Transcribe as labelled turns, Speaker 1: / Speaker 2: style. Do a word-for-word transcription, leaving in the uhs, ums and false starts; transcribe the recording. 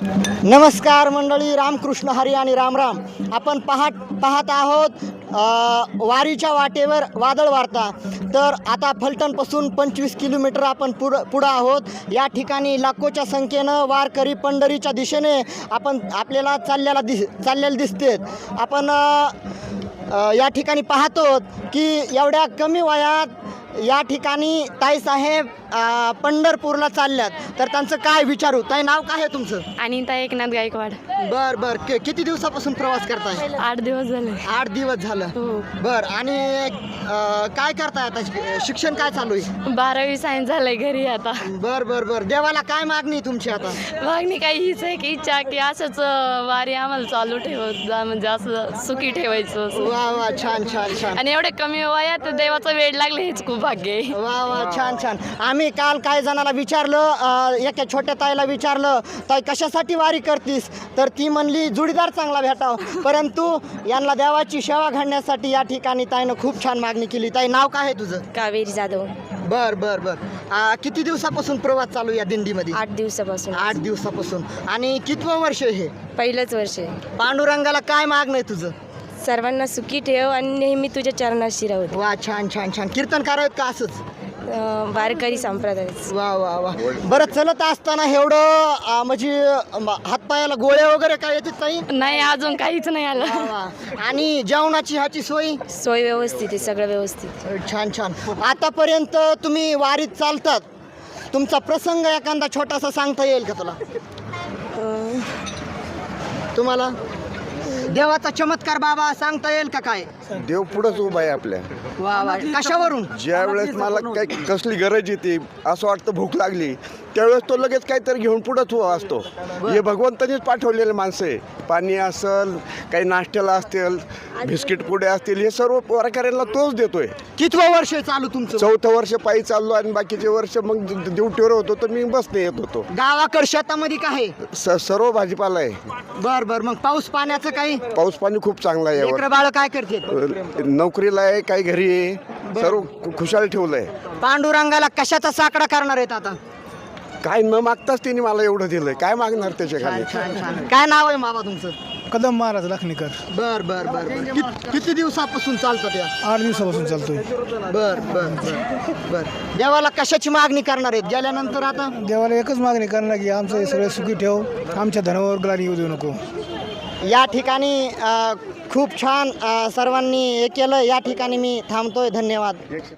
Speaker 1: नमस्कार मंडळी, रामकृष्ण हरी आणि रामराम. आपण पाहत पाहत आहोत अ, वारीच्या वाटेवर वादळ वार्ता. तर आता फलटणपासून पंचवीस किलोमीटर आपण पुढं पुढं आहोत. या ठिकाणी लाखोच्या संख्येनं वारकरी पंढरीच्या दिशेने आपण आपल्याला चाललेला दिस चाललेले दिसतेत. आपण अ, अ, या ठिकाणी पाहतो की एवढ्या कमी वयात या ठिकाणी ताईसाहेब अ, पंढरपूरला चालल्यात. तर त्यांचं काय विचारू. ताई, नाव काय आहे तुमचं?
Speaker 2: अनिता एकनाथ गायकवाड.
Speaker 1: बर बर कि- किती दिवसापासून प्रवास करताय?
Speaker 2: आठ दिवस झाले.
Speaker 1: आठ दिवस झालं.
Speaker 2: हो.
Speaker 1: बर. आणि अ, काय करताय आता? शि- शिक्षण काय चालू आहे?
Speaker 2: बारावी सायन्स झालंय घरी आता.
Speaker 1: बर बर बर. देवाला काय मागणी तुमची आता?
Speaker 2: मागणी काही हीच आहे की इच्छा की असंच अं, वारी आम्हाला चालू ठेवत जा, म्हणजे असं सुखी ठेवायचं असं.
Speaker 1: वा वा, छान छान छान.
Speaker 2: आणि एवढे कमी वयात देवाचा वेळ लागले हेच खूप भाग्य आहे.
Speaker 1: वा वा, छान छान. आम्ही काल काही जणांना विचारलं, अ, एका छोट्या ताईला विचारलं, ताई कशासाठी वारी करतीस? तर ती म्हणली जोडीदार चांगला भेटाव. परंतु यांना देवाची सेवा घडण्यासाठी या ठिकाणी ताईनं खूप छान मागणी केली. ताई, नाव काय आहे तुझं?
Speaker 2: कावेरी जाधव.
Speaker 1: बर बर बर. अ, किती दिवसापासून प्रवास चालू आहे या दिंडीमध्ये?
Speaker 2: आठ दिवसापासून.
Speaker 1: आठ दिवसापासून. आणि कितवं वर्ष आहे हे?
Speaker 2: पहिलंच वर्ष आहे.
Speaker 1: पांडुरंगाला काय मागणं आहे तुझं?
Speaker 2: सर्वांना सुखी ठेव आणि नेहमी तुझ्या चरणाशी राहू दे.
Speaker 1: वा, छान छान छान. कीर्तनकार आहेत का असंच?
Speaker 2: अं, वारकरी संप्रदाय.
Speaker 1: वा वा वा. बरं, चलत असताना एवढं अ, म्हणजे अम, हातपायाला गोळे वगैरे काय येतात ताई?
Speaker 2: नाही, अजून काहीच नाही आलं.
Speaker 1: वा वा. आणि जेवणाची ह्याची सोय?
Speaker 2: सोय व्यवस्थित आहे, सगळं व्यवस्थित.
Speaker 1: छान छान. आतापर्यंत तुम्ही वारीत चालतात, तुमचा प्रसंग एखादा छोटासा सांगता येईल का तुला?
Speaker 2: अं,
Speaker 1: तुम्हाला देवाचा चमत्कार बाबा सांगता येईल का काय?
Speaker 3: देव पुढंच उभा आहे आपल्या.
Speaker 1: वा वा. कशावरून?
Speaker 3: ज्या वेळेस मला काही कसली गरज येते, असं वाटतं भूक लागली, त्यावेळेस तो लगेच काहीतरी घेऊन पुढंच उभा असतो. हे भगवंतानीच पाठवलेले माणसं आहे. पाणी असेल, काही नाश्त्याला असतील, बिस्किट पुडे असतील, हे सर्व वारकऱ्यांना तोच देतोय.
Speaker 1: कितवं वर्ष आहे चालू तुमचं?
Speaker 3: चौथं वर्ष पायी चाललो आणि बाकीचे वर्ष मग ड्युटीवर होतो तर मी बसने येत होतो.
Speaker 1: गावाकड शेतामध्ये काय आहे?
Speaker 3: स सर्व भाजीपाला आहे.
Speaker 1: बर बर. मग पाऊस पाण्याचं काही?
Speaker 3: पाऊस पाणी खूप चांगला आहे यावर.
Speaker 1: लेकरं बाळ काय करते?
Speaker 3: नोकरीला आहे, काही घरी आहे, सर्व खु- खुशाल ठेवलंय.
Speaker 1: पांडुरंगाला कशाचा साकडा करणार आहेत आता?
Speaker 3: काय न मागताच त्यांनी मला एवढं दिलंय, काय मागणार त्याच्या खाली?
Speaker 1: छान छान. काय नाव आहे बाबा तुमचं?
Speaker 4: कदम महाराज लखनीकर.
Speaker 1: बर बर बर बर. कित- किती दिवसापासून चालतात या?
Speaker 4: आठ दिवसापासून चालतोय.
Speaker 1: बर बर बर बर. देवाला कशाची मागणी करणार आहेत गेल्यानंतर आता?
Speaker 4: देवाला एकच मागणी करणार की आमचं हे सगळं सुखी ठेव, आमच्या धनावर ग्लानी येऊ देऊ नको.
Speaker 1: या ठिकाणी अ, खूप छान अ, सर्वांनी हे केलं. या ठिकाणी मी थांबतोय. धन्यवाद.